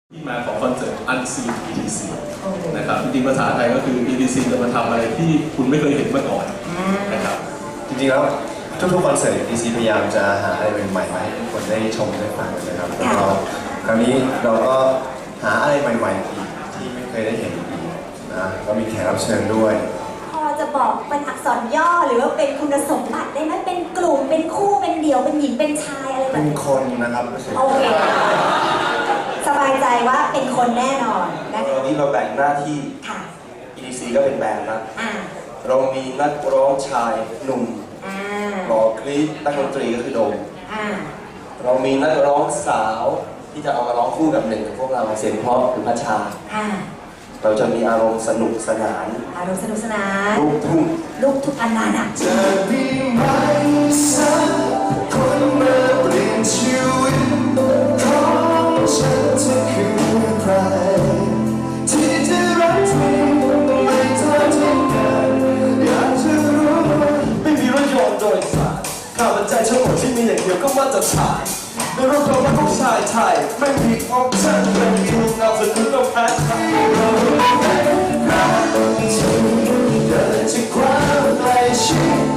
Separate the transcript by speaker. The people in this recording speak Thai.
Speaker 1: ที่มาของคอนเสิร์ต Unseen EDC นะครับจริงๆภาษาไทยก็คือ EDC จะมาทำอะไรที่คุณไม่เคยเห็นมาก่อนนะครับ
Speaker 2: จริงๆแล้วทุกๆคอนเสิร์ต EDC พยายามจะหาอะไรใหม่ๆมาให้ทุกคนได้ชมได้ฟังนะครับแล้วก็คราวนี้เราก็หาอะไรใหม่ๆอีกที่ไม่เคยได้เห็นอีกนะก็มีแขกรับเชิญด้วย
Speaker 3: พอจะบอกเป็นอักษรย่อหรือว่าเป็นคุณสมบัติได้ไหมเป็นกลุ่มเป็นคู่เป็นเดี่ยวเป็นหญิงเป็นชายอะไรแบบ
Speaker 2: เป็น
Speaker 3: นี้
Speaker 2: คนนะครับ
Speaker 3: โอเคสบายใจว่าเป็นคนแน่นอนนะคะ
Speaker 4: วันนี้เราแบ่งหน้าที่ EDC ก็เป็นแบนด์นะเรามีนักร้องชายหนุ่มหล่อกรี๊ดนักดนตรีก็คือโดมเรามีนักร้องสาวที่จะเอามาร้องคู่กับหนึ่งกับพวกเราเสียงเพราะคือพัชชาเราจะมีอารมณ์สนุกสนานลูกทุ่ง
Speaker 3: อันนั้น
Speaker 2: จะมีไหมสักคนมาเปลี่ยนชีวิตของฉันจะคือใครที่จะรักเธอไม่ทอดทิ้งกันอยากจะรู้
Speaker 4: ไม่มีรถยนต์โดยสารข้าพเจ้าทั้งหมดที่มีอย่างเดียวก็มาตรฐานในรถเราไม่ต้องชายไทยไม่มีออปชั่นเป็นคิวนามสกุลเราแพ้
Speaker 2: เราเป็นรักที่เธอจะคว้าไปชิด